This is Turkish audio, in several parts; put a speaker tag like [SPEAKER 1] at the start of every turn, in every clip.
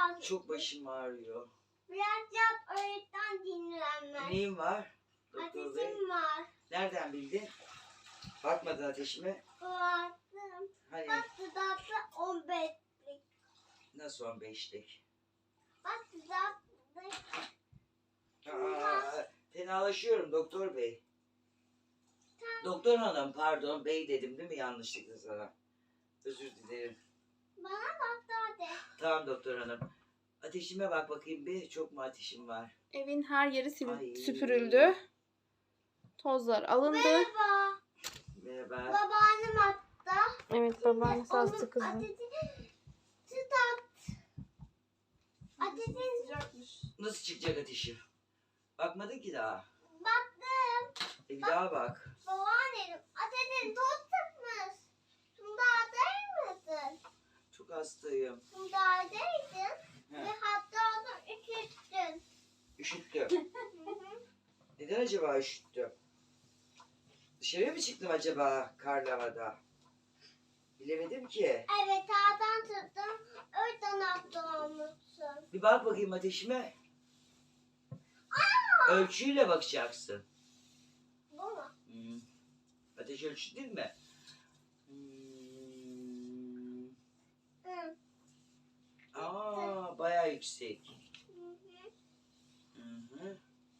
[SPEAKER 1] Biraz.
[SPEAKER 2] Çok başım ağrıyor.
[SPEAKER 1] Biraz yat, o yüzden dinlenmez.
[SPEAKER 2] Neyim var? Doktor bey.
[SPEAKER 1] Ateşim var.
[SPEAKER 2] Nereden bildin? Bakmadın ateşime.
[SPEAKER 1] Baktım.
[SPEAKER 2] Hani
[SPEAKER 1] Bak dudakta 15'lik.
[SPEAKER 2] nasıl 15'lik?
[SPEAKER 1] Bak dudakta.
[SPEAKER 2] Fenalaşıyorum doktor bey. Doktor hanım pardon bey dedim değil mi yanlışlıkla sana? Özür dilerim.
[SPEAKER 1] Bana bak daha de.
[SPEAKER 2] Tamam doktor hanım. Ateşime bak bakayım bir. Çok mu ateşim var?
[SPEAKER 3] Evin her yeri
[SPEAKER 2] Ay.
[SPEAKER 3] süpürüldü. Tozlar alındı.
[SPEAKER 1] Merhaba.
[SPEAKER 2] Merhaba.
[SPEAKER 1] Babaannem hatta.
[SPEAKER 3] Evet, babaannesi
[SPEAKER 1] Onun
[SPEAKER 3] hasta kızım.
[SPEAKER 1] ateşini tutat. Ateşin
[SPEAKER 3] Sıcakmış.
[SPEAKER 2] Nasıl çıkacak ateşim? Bakmadın ki daha.
[SPEAKER 1] baktım.
[SPEAKER 2] Bir daha bak.
[SPEAKER 1] Babaannem ateşin tut tutmuş. Bunda değil misin?
[SPEAKER 2] Çok hastayım.
[SPEAKER 1] Bunda değildin.
[SPEAKER 2] He.
[SPEAKER 1] Ve hatta onu üşüttün.
[SPEAKER 2] Üşüttüm. Neden acaba üşüttüm? Dışarıya mı çıktım acaba karlı havada? Bilemedim ki.
[SPEAKER 1] Evet ağdan tuttum. Oradan hasta olmuşsun.
[SPEAKER 2] Bir bak bakayım ateşime. Ölçüyle bakacaksın.
[SPEAKER 1] Bu mu?
[SPEAKER 2] Ateş ölçü değil mi?
[SPEAKER 1] Hı.
[SPEAKER 2] Bayağı yüksek.
[SPEAKER 1] Hı hı.
[SPEAKER 2] Hı.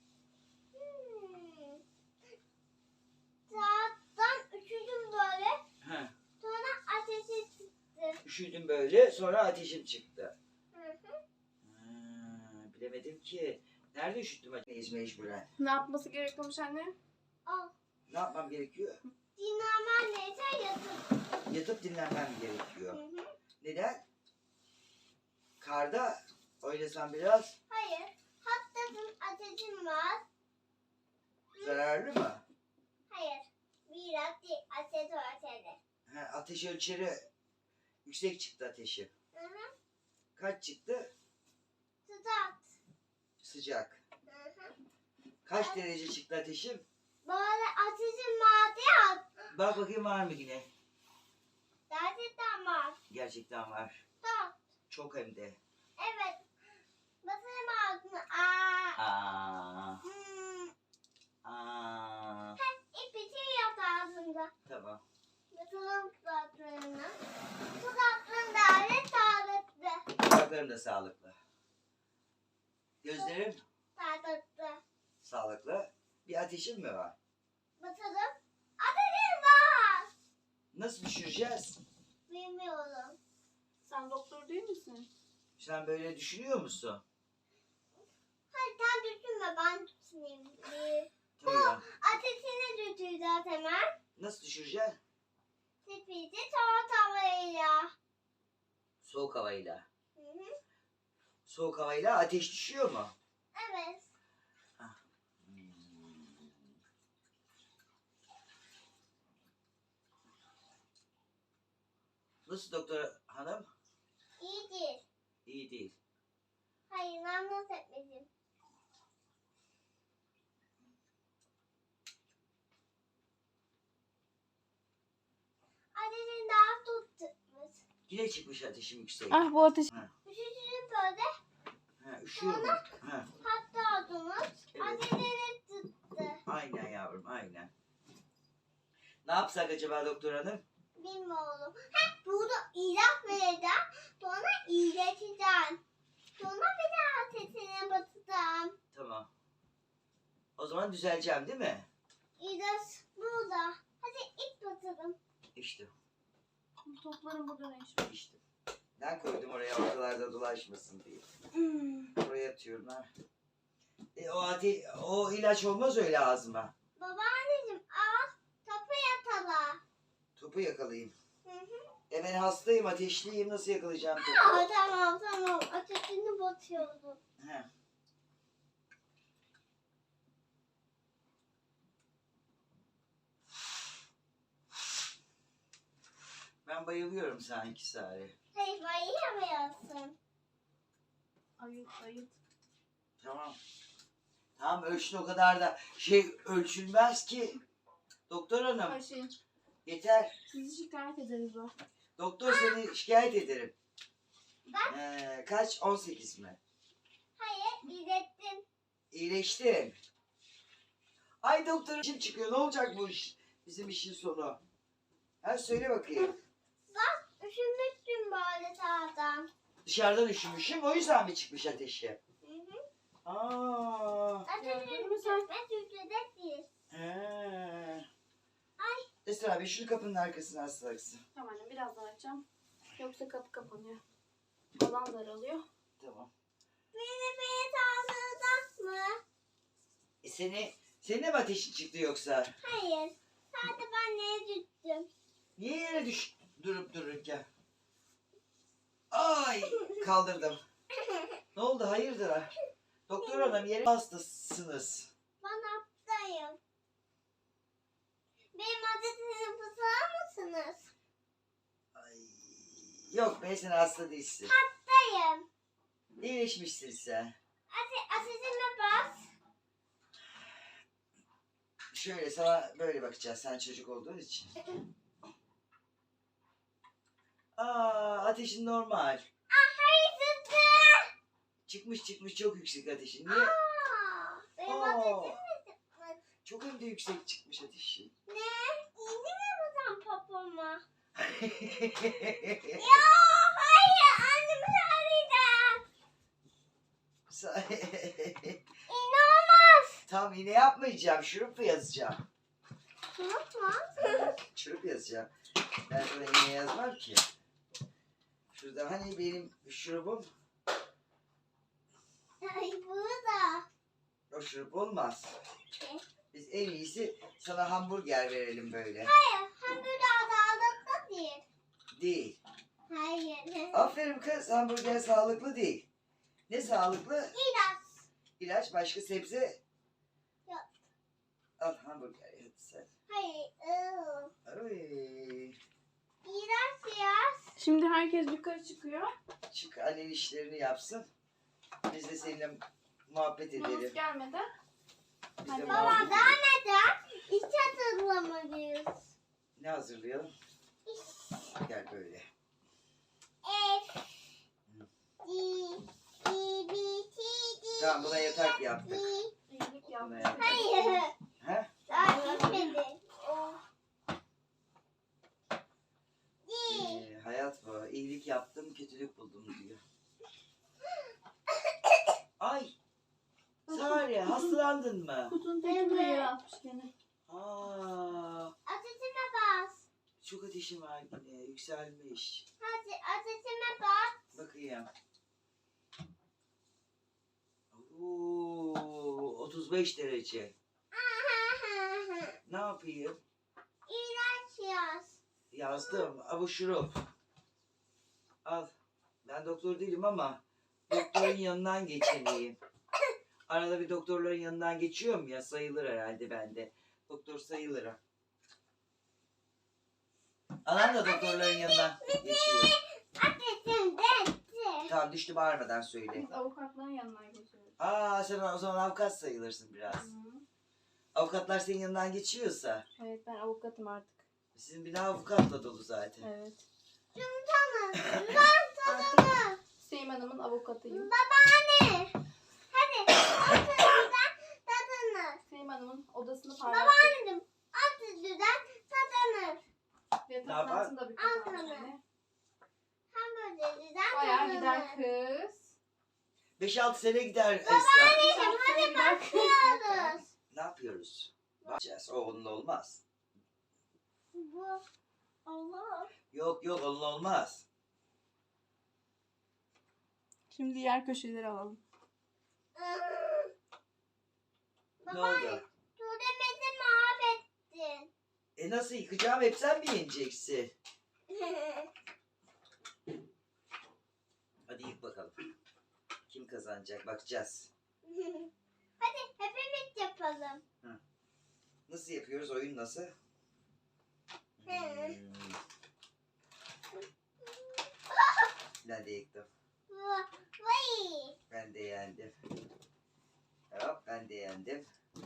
[SPEAKER 1] Sağdan üşüdüm böyle.
[SPEAKER 2] Heh.
[SPEAKER 1] Sonra ateşi çıktı.
[SPEAKER 2] Üşüdüm böyle sonra ateşim çıktı.
[SPEAKER 1] Hı hı.
[SPEAKER 2] Bilemedim ki. Nerede üşüttüm ateşi mecburen?
[SPEAKER 3] Ne yapması gerekiyormuş anne?
[SPEAKER 1] Al.
[SPEAKER 2] Ne yapmam gerekiyor?
[SPEAKER 1] Dinlenmen neyse yatır.
[SPEAKER 2] Yatıp dinlenmem gerekiyor.
[SPEAKER 1] Hı hı.
[SPEAKER 2] Neden? Karda oynasam biraz
[SPEAKER 1] Hayır. Hatta ateşim var.
[SPEAKER 2] zararlı mı?
[SPEAKER 1] Hayır. Biraz değil. Ateş ölçeri.
[SPEAKER 2] Ateş ölçeri yüksek çıktı ateşi.
[SPEAKER 1] Hı hı.
[SPEAKER 2] Kaç çıktı?
[SPEAKER 1] Tutat.
[SPEAKER 2] Sıcak.
[SPEAKER 1] Hı hı.
[SPEAKER 2] Kaç derece çıktı ateşim?
[SPEAKER 1] Böyle ateşim vardı ya.
[SPEAKER 2] Bak bakayım var mı yine?
[SPEAKER 1] Gerçekten var.
[SPEAKER 2] Gerçekten var.
[SPEAKER 1] Tutat.
[SPEAKER 2] Çok hem de.
[SPEAKER 1] Evet. Basarım ağzını. Aa.
[SPEAKER 2] Aa,
[SPEAKER 1] Hmm.
[SPEAKER 2] aa.
[SPEAKER 1] İpi yat ağzında.
[SPEAKER 2] Tamam.
[SPEAKER 1] Basalım tutatlarını. Tutatların değerli sağlıklı.
[SPEAKER 2] Kulaklarım da sağlıklı. Gözlerim
[SPEAKER 1] Sağlıklı.
[SPEAKER 2] sağlıklı. Bir ateşim mi var?
[SPEAKER 1] Basalım. Ateşim var.
[SPEAKER 2] Nasıl düşüreceğiz?
[SPEAKER 1] Bilmiyorum.
[SPEAKER 3] Sen doktor değil misin?
[SPEAKER 2] Sen böyle düşünüyor musun?
[SPEAKER 1] Hayır sen düşünme ben düşüneyim.
[SPEAKER 2] Tamam.
[SPEAKER 1] Ateşini düşüreceğiz hemen.
[SPEAKER 2] Nasıl düşüreceksin?
[SPEAKER 1] Sepeti soğuk havayla.
[SPEAKER 2] Soğuk havayla.
[SPEAKER 1] Hı hı.
[SPEAKER 2] Soğuk havayla ateş düşüyor mu?
[SPEAKER 1] Evet.
[SPEAKER 2] Nasıl doktor hanım?
[SPEAKER 1] İyi değil.
[SPEAKER 2] İyi değil.
[SPEAKER 1] Hayır ben nasıl etmedim. Ateşin daha tutmuş.
[SPEAKER 2] Yine çıkmış ateşim yüksek.
[SPEAKER 3] Ah, bu ateş.
[SPEAKER 1] Üşütürüm böyle.
[SPEAKER 2] Üşüyorum.
[SPEAKER 1] Hatta odumuz
[SPEAKER 2] Evet.
[SPEAKER 1] ateşini tuttu.
[SPEAKER 2] Aynen yavrum aynen. Ne yapsak acaba doktor hanım?
[SPEAKER 1] Bilmiyorum. Burada ilaç vereceğim. Sonra iyileşeceğim. Sonra bir daha ateşine batacağım.
[SPEAKER 2] Tamam. O zaman düzeleceğim değil mi?
[SPEAKER 1] İlaç burada. Hadi ilk batalım.
[SPEAKER 2] İşte.
[SPEAKER 3] Toplarım burada ne iş var?
[SPEAKER 2] İşte. Ben koydum oraya ortalarda dolaşmasın diye. Oraya atıyorum ha. O ilaç olmaz öyle ağzıma.
[SPEAKER 1] Babaanneciğim al. Topu yatala.
[SPEAKER 2] Topu yakalayayım.
[SPEAKER 1] Hı hı.
[SPEAKER 2] Ben hastayım, ateşliyim. Nasıl yakalayacağım topu?
[SPEAKER 1] Tamam. Ateşini batıyordum.
[SPEAKER 2] He. Ben bayılıyorum sanki Sare.
[SPEAKER 1] Hayır bayılamıyorsun.
[SPEAKER 3] Ayıt.
[SPEAKER 2] Tamam. Tamam ölçün o kadar da ölçülmez ki. Doktor hanım
[SPEAKER 3] Ayşe,
[SPEAKER 2] yeter.
[SPEAKER 3] sizi şikayet ederiz o.
[SPEAKER 2] Doktor seni şikayet ederim.
[SPEAKER 1] Ben
[SPEAKER 2] Kaç? 18 mi?
[SPEAKER 1] Hayır, ilettim.
[SPEAKER 2] İyileştin. Ay doktor işim çıkıyor. Ne olacak bu iş? Bizim işin sonu. Ha söyle bakayım.
[SPEAKER 1] Bak, üşümüştüm böyle sağdan.
[SPEAKER 2] Dışarıdan üşümüşüm. O yüzden mi çıkmış ateşi?
[SPEAKER 1] Hı hı.
[SPEAKER 2] Aa.
[SPEAKER 3] Gördün mü sen?
[SPEAKER 1] Ben Türkçe'de değil.
[SPEAKER 2] He. Esra abi şunu kapının arkasına aslaksın.
[SPEAKER 3] Tamam annem birazdan açacağım. Yoksa kapı kapanıyor. Alan daralıyor.
[SPEAKER 2] Tamam.
[SPEAKER 1] Beni sağlığından mı?
[SPEAKER 2] Senin de mi ateşin çıktı yoksa?
[SPEAKER 1] Hayır. Sadece ben neye düştüm?
[SPEAKER 2] Niye yere durup dururken? Ay kaldırdım. Ne oldu hayırdır? Doktor hanım yere hastasınız.
[SPEAKER 1] Ben hastayım. Benim adetimi fısılar mısınız?
[SPEAKER 2] Ay, yok be sen hasta değilsin.
[SPEAKER 1] Hastayım.
[SPEAKER 2] İyileşmişsin sen.
[SPEAKER 1] Ateşime bas.
[SPEAKER 2] Şöyle sana böyle bakacağız sen çocuk olduğun için. Aa ateşin normal.
[SPEAKER 1] Hayır zıttı.
[SPEAKER 2] Çıkmış çok yüksek ateşin. Niye?
[SPEAKER 1] Benim
[SPEAKER 2] Aa,
[SPEAKER 1] adetim mi çıkmış?
[SPEAKER 2] çok hem de yüksek çıkmış ateşin.
[SPEAKER 1] Ne? İndi mi buradan papama?
[SPEAKER 2] Sa-
[SPEAKER 1] Ya hayır annemi arayacağım. İnanılmaz.
[SPEAKER 2] Tam iğne yapmayacağım. Şurup yazacağım.
[SPEAKER 1] Unutma.
[SPEAKER 2] Şurup yazacağım. Ben sana iğne yazmam ki. Şurada hani benim şurubum.
[SPEAKER 1] Ay burada.
[SPEAKER 2] O şurup olmaz.
[SPEAKER 1] Ne?
[SPEAKER 2] Biz en iyisi sana hamburger verelim böyle.
[SPEAKER 1] Hayır hamburger sağlıklı değil.
[SPEAKER 2] Değil.
[SPEAKER 1] Hayır.
[SPEAKER 2] Aferin kız hamburger sağlıklı değil. Ne sağlıklı?
[SPEAKER 1] İlaç.
[SPEAKER 2] İlaç başka sebze.
[SPEAKER 1] Yok.
[SPEAKER 2] Al hamburger hadi sen.
[SPEAKER 1] Hayır.
[SPEAKER 2] Ay.
[SPEAKER 1] İlaç yaz.
[SPEAKER 3] Şimdi herkes yukarı çıkıyor.
[SPEAKER 2] Çık annen işlerini yapsın. Biz de seninle muhabbet
[SPEAKER 3] Yunus
[SPEAKER 2] edelim.
[SPEAKER 3] gelmedi.
[SPEAKER 2] Biz de
[SPEAKER 3] Hadi.
[SPEAKER 1] Baba
[SPEAKER 2] muhabbet
[SPEAKER 1] daha
[SPEAKER 2] edelim.
[SPEAKER 1] neden? İç hazırlamalıyız.
[SPEAKER 2] Ne hazırlayalım? Gel böyle.
[SPEAKER 1] F. D. B. T. D.
[SPEAKER 2] Tamam buna yatak yaptık.
[SPEAKER 3] İyilik
[SPEAKER 2] Buna
[SPEAKER 3] yapmış.
[SPEAKER 2] yaptık.
[SPEAKER 1] Hayır.
[SPEAKER 2] He?
[SPEAKER 1] Daha gitmedi. D.
[SPEAKER 2] Hayat bu. İyilik yaptım, kötülük buldum diyor. Ay! Sare, hastalandın mı?
[SPEAKER 3] Kutunun tekini yere atmış gene.
[SPEAKER 2] Aa,
[SPEAKER 1] Ateşime bas.
[SPEAKER 2] çok ateşim var yine, yükselmiş.
[SPEAKER 1] Hadi ateşime bas.
[SPEAKER 2] Bakayım. Oo, 35 derece. Ne yapayım?
[SPEAKER 1] İlaç yaz.
[SPEAKER 2] Yazdım. Bu şurup. Al. Ben doktor değilim ama doktorun yanından geçeneyim. Arada bir doktorların yanından geçiyorum ya sayılır herhalde bende. Doktor sayılırım. Anam da doktorların yanından geçiyor.
[SPEAKER 1] Ateşim düştü.
[SPEAKER 2] Tamam düştü bağırmadan söyle.
[SPEAKER 3] Biz avukatların yanına geçiyoruz.
[SPEAKER 2] Aa sen o zaman avukat sayılırsın biraz.
[SPEAKER 3] Hı.
[SPEAKER 2] Avukatlar senin yanından geçiyorsa.
[SPEAKER 3] Evet ben avukatım artık.
[SPEAKER 2] Sizin bina avukatla dolu zaten.
[SPEAKER 3] Evet.
[SPEAKER 1] Tanı. Ben tanımı.
[SPEAKER 3] Hüseyin Hanım'ın avukatıyım.
[SPEAKER 1] Babaanne. Hadi. Ateşimden tadını.
[SPEAKER 3] Hüseyin Hanım'ın odasını parlattık.
[SPEAKER 1] Babaannem. Ateşimden tadını.
[SPEAKER 3] Yatak
[SPEAKER 2] Ne yapar?
[SPEAKER 3] altında bir
[SPEAKER 1] Al
[SPEAKER 3] kapanış
[SPEAKER 1] sana.
[SPEAKER 3] yani.
[SPEAKER 1] Hamburgerden
[SPEAKER 3] Bayağı
[SPEAKER 1] tadını.
[SPEAKER 3] gider kız.
[SPEAKER 2] 5-6 sene gider Esra.
[SPEAKER 1] Babaanneciğim hadi
[SPEAKER 3] Gider kız.
[SPEAKER 1] başlıyoruz.
[SPEAKER 2] Ne yapıyoruz? Bakacağız. O onunla olmaz.
[SPEAKER 1] Bu. Allah.
[SPEAKER 2] Yok onunla olmaz.
[SPEAKER 3] Şimdi diğer köşeleri alalım.
[SPEAKER 2] Ne oldu?
[SPEAKER 1] Tuğremezi mahvettin.
[SPEAKER 2] Nasıl yıkacağım? Hep sen mi yeneceksin? Hadi yık bakalım. Kim kazanacak? Bakacağız.
[SPEAKER 1] Hadi hepimiz yapalım.
[SPEAKER 2] Nasıl yapıyoruz? Oyun nasıl? Hmm. Ben de yıktım.
[SPEAKER 1] Vay.
[SPEAKER 2] Ben de yendim. Hop ben de yendim.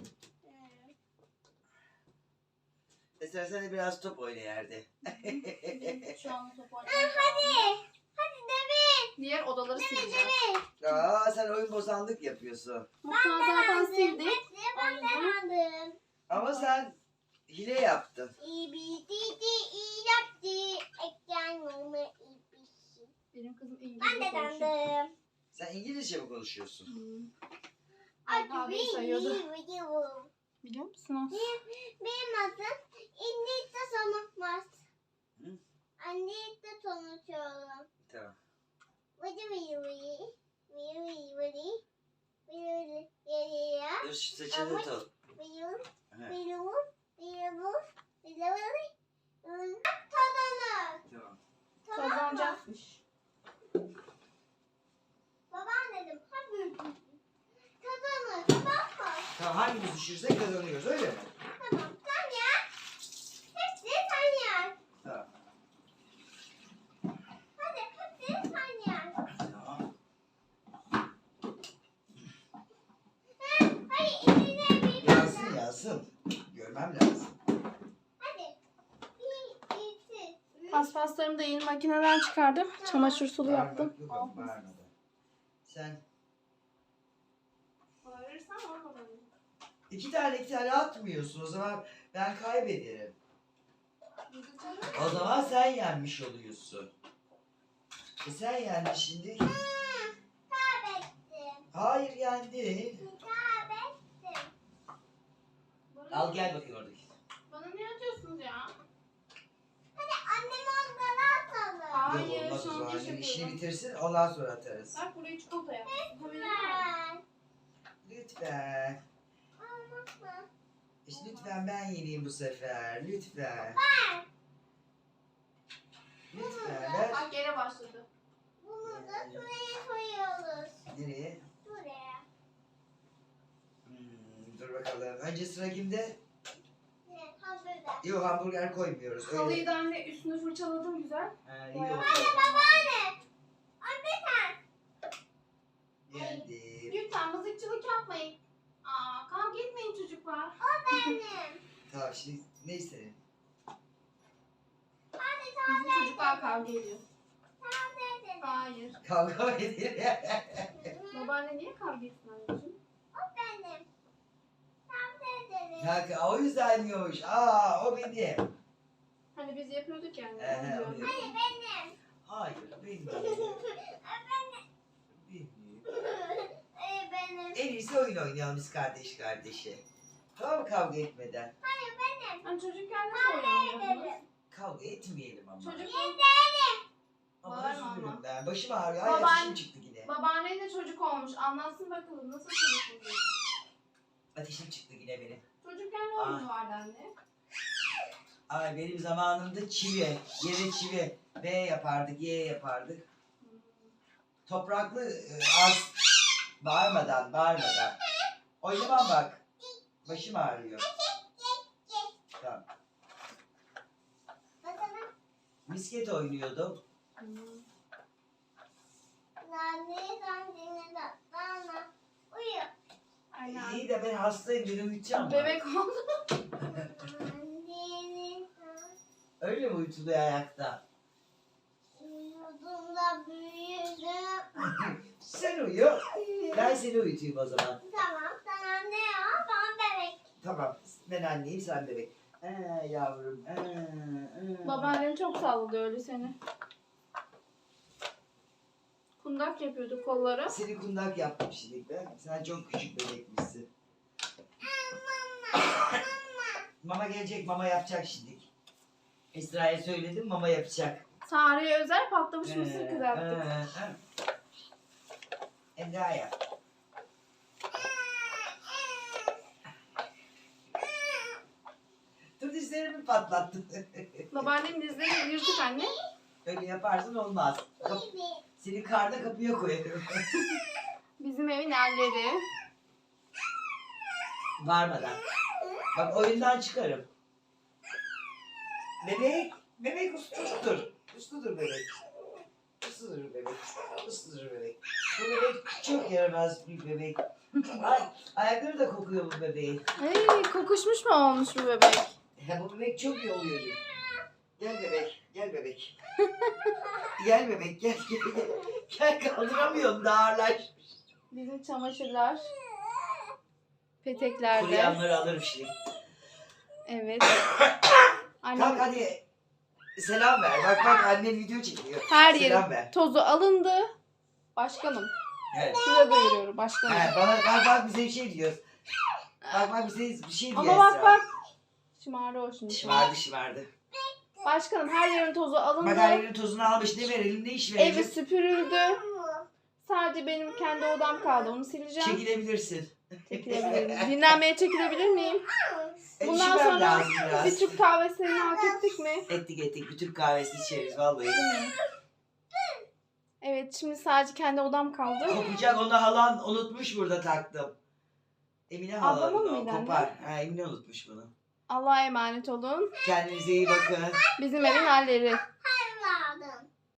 [SPEAKER 2] Esra sen de biraz top oyna yerde.
[SPEAKER 3] Şu an top
[SPEAKER 1] Hadi. Hadi Demir.
[SPEAKER 3] diğer odaları sileceğiz.
[SPEAKER 2] Aa, sen oyun bozanlık yapıyorsun.
[SPEAKER 3] Mutfağı zaten sildik.
[SPEAKER 1] Ben de aldım.
[SPEAKER 2] Ama sen hile yaptın.
[SPEAKER 1] İyi yaptı. Ekran mı iyi.
[SPEAKER 3] Benim kızım
[SPEAKER 1] Ben
[SPEAKER 3] İngilizce
[SPEAKER 1] de
[SPEAKER 3] konuşuyor.
[SPEAKER 1] dandım.
[SPEAKER 2] Sen İngilizce mi konuşuyorsun?
[SPEAKER 3] Alfabeyi sayıyordu. Biliyor musunuz?
[SPEAKER 1] Benim adım İngilizce sanatmaz.
[SPEAKER 2] Hı?
[SPEAKER 1] İngilizce konuşuyorum.
[SPEAKER 2] Tamam. Dur şu saçını tut. Tamam.
[SPEAKER 3] Kazanacakmış.
[SPEAKER 1] Babaannem kazanır. Bakma.
[SPEAKER 2] Tamam, hangimiz düşürse kazanıyoruz, öyle mi?
[SPEAKER 1] Tamam. Sen yer. Hepsi sen yer.
[SPEAKER 2] Tamam.
[SPEAKER 1] Hadi hepsi sen yer.
[SPEAKER 2] Tamam.
[SPEAKER 1] Hadi içine bir
[SPEAKER 2] Yazsın yazsın. Görmem lazım.
[SPEAKER 1] Hadi. Bir, iki, üç.
[SPEAKER 3] Paspaslarımı da yeni makineden çıkardım. Çamaşır sulu
[SPEAKER 2] Bağırmak
[SPEAKER 3] yaptım.
[SPEAKER 2] yok ama bağırmadan. Sen
[SPEAKER 3] Bağırırsan olmadı.
[SPEAKER 2] iki tane atmıyorsun, o zaman ben kaybederim. O zaman sen yenmiş oluyorsun. Sen yendin şimdi.
[SPEAKER 1] Kaybettim.
[SPEAKER 2] Hayır, yendin.
[SPEAKER 1] Kaybettim.
[SPEAKER 2] Al gel bakayım oradaki.
[SPEAKER 3] Bana ne atıyorsunuz ya?
[SPEAKER 1] Hadi annem onları atalım.
[SPEAKER 3] Hayır,
[SPEAKER 2] Yok, olmaz o
[SPEAKER 3] şu an
[SPEAKER 2] zaman.
[SPEAKER 3] geç
[SPEAKER 2] Annem işini
[SPEAKER 3] yapıyorum.
[SPEAKER 2] bitirsin, ondan sonra atarız.
[SPEAKER 3] Bak buraya çikolata yap.
[SPEAKER 1] Ben.
[SPEAKER 2] Lütfen.
[SPEAKER 1] Olmaz.
[SPEAKER 2] İşte lütfen ben yeneyim bu sefer. Lütfen.
[SPEAKER 1] Ben.
[SPEAKER 2] Lütfen ver.
[SPEAKER 3] Bak yere başladı.
[SPEAKER 1] Bunu da şuraya koyuyoruz.
[SPEAKER 2] Nereye?
[SPEAKER 1] Şuraya.
[SPEAKER 2] Dur bakalım. Önce sıra kimde?
[SPEAKER 1] Ne? Hamburger.
[SPEAKER 2] Yok, hamburger koymuyoruz.
[SPEAKER 3] Halıyı
[SPEAKER 2] Öyle.
[SPEAKER 3] da anne üstünü fırçaladım güzel.
[SPEAKER 2] Ha, iyi
[SPEAKER 3] Bayağı.
[SPEAKER 2] oldu.
[SPEAKER 1] Babaanne. Anne sen.
[SPEAKER 2] Yendim.
[SPEAKER 3] Lütfen mızıkçılık yapmayın. Aa, kavga etmeyin çocuklar.
[SPEAKER 1] O benim.
[SPEAKER 2] Tamam, şimdi ne istedim?
[SPEAKER 1] Hadi
[SPEAKER 3] Bizim çocuklar kavga ediyor.
[SPEAKER 1] sen dedin.
[SPEAKER 3] Hayır.
[SPEAKER 2] Kavga mı edelim?
[SPEAKER 3] Babaanne niye kavga etsin anneciğim?
[SPEAKER 1] O benim. Sen dedin.
[SPEAKER 2] Kanka, o yüzden yiyormuş. Aa, o benim.
[SPEAKER 3] Hani biz yapıyorduk yani.
[SPEAKER 2] Ehe,
[SPEAKER 3] onu
[SPEAKER 2] onu
[SPEAKER 3] diyorum.
[SPEAKER 1] Hayır benim.
[SPEAKER 2] Hayır, benim.
[SPEAKER 1] Benim.
[SPEAKER 2] Benim.
[SPEAKER 1] Benim.
[SPEAKER 2] En iyisi oyun oynayalım biz kardeş kardeşe. Tamam mı, kavga etmeden?
[SPEAKER 1] Hayır benim.
[SPEAKER 3] Hani çocukken nasıl oynamıyordunuz?
[SPEAKER 2] Kavga etmeyelim ama.
[SPEAKER 3] Çocuk
[SPEAKER 2] Ama
[SPEAKER 3] Bağırma
[SPEAKER 2] üzülürüm
[SPEAKER 3] ama.
[SPEAKER 2] ben. Başım ağrıyor.
[SPEAKER 3] Baban-
[SPEAKER 2] Ay, ateşim çıktı yine.
[SPEAKER 3] babaannen de çocuk olmuş. Anlatsın bakalım nasıl çocuk oluyor?
[SPEAKER 2] Ateşim çıktı yine benim.
[SPEAKER 3] Çocukken ne oyunu vardı anne?
[SPEAKER 2] Ay, benim zamanımda çivi. Yere çivi. B yapardık, Y yapardık. Topraklı az. Bağırmadan. Oynamam bak. Başım ağrıyor. Tamam.
[SPEAKER 1] Bakalım.
[SPEAKER 2] Misket oynuyordum.
[SPEAKER 1] Nane sen dinle de. Bana. Uyu.
[SPEAKER 3] Aynen.
[SPEAKER 2] İyi de ben hastayım, dedim uyutacağım.
[SPEAKER 3] Bebek oldu.
[SPEAKER 1] Annenin
[SPEAKER 2] Öyle mi uyutuluyor ayakta?
[SPEAKER 1] uyuduğumda büyüdüm.
[SPEAKER 2] Sen uyu. Ben seni uyutayım o zaman.
[SPEAKER 1] Tamam sen anne ya. Ben bebek.
[SPEAKER 2] Tamam. Ben anneyim, sen bebek. Yavrum.
[SPEAKER 3] Babaannen çok sallıyor öyle seni. Kundak yapıyordu kolları.
[SPEAKER 2] Seni kundak yaptım şimdi ben. Sen çok küçük bebekmişsin. Mama gelecek, mama yapacak şimdi. Esra'ya söyledim, mama yapacak.
[SPEAKER 3] Tarihe özel patlamış mısır kızarttık.
[SPEAKER 2] Emrah yap. Dur, dizlerimi patlattın.
[SPEAKER 3] Babaannemin dizleri yırtık anne.
[SPEAKER 2] Öyle yaparsan olmaz. Seni karda kapıya koyarım.
[SPEAKER 3] Bizim evin erleri.
[SPEAKER 2] Varmadan. Bak, oyundan çıkarım. Bebek usludur. Usludur bebek. Usludur bebek. Usludur bebek. Bu bebek çok yaramaz bir bebek. Ay, ayakları da kokuyor bu bebeğin.
[SPEAKER 3] Hey, kokuşmuş mu olmuş bu bebek?
[SPEAKER 2] Bu bebek çok iyi oluyor. Gel bebek. Gel bebek. Gel bebek. Gel gel. Gel kaldıramıyorum da ağırlaşmış.
[SPEAKER 3] Bizim çamaşırlar. Peteklerde.
[SPEAKER 2] Kuruyanları alırım şimdi.
[SPEAKER 3] Evet.
[SPEAKER 2] Kalk
[SPEAKER 3] Annem
[SPEAKER 2] hadi. Selam ver. Bak bak annen video çekiyor.
[SPEAKER 3] her
[SPEAKER 2] Selam
[SPEAKER 3] yerin
[SPEAKER 2] ver.
[SPEAKER 3] tozu alındı. Başkanım.
[SPEAKER 2] Evet.
[SPEAKER 3] Size duyuruyorum başkanım.
[SPEAKER 2] He, bak bize bir şey diyoruz. Bak bize bir şey diyor
[SPEAKER 3] Ama bak
[SPEAKER 2] Esra.
[SPEAKER 3] bak. Şımardı o şimdi.
[SPEAKER 2] Şımardı.
[SPEAKER 3] Başkanım her yerin tozu alındı.
[SPEAKER 2] Bak her yerin tozunu almış. Ne verelim ne iş verelim?
[SPEAKER 3] Evi süpürüldü. Sadece benim kendi odam kaldı. Onu sileceğim.
[SPEAKER 2] Çekilebilirsin.
[SPEAKER 3] Çekilebilirim. Dinlenmeye çekilebilir miyim? Bundan
[SPEAKER 2] Üşümem
[SPEAKER 3] sonra
[SPEAKER 2] lazım biraz.
[SPEAKER 3] bir Türk kahvesini hak ettik mi?
[SPEAKER 2] Ettik. Bir Türk kahvesi içeriz vallahi.
[SPEAKER 3] Evet, şimdi sadece kendi odam kaldı.
[SPEAKER 2] Kopacak onu halan unutmuş burada taktım. Emine halanın
[SPEAKER 3] Ablamın
[SPEAKER 2] o
[SPEAKER 3] mıydı anne?
[SPEAKER 2] kopar. Ha, Emine unutmuş bunu.
[SPEAKER 3] Allah'a emanet olun.
[SPEAKER 2] Kendinize iyi bakın.
[SPEAKER 3] Bizim evin halleri.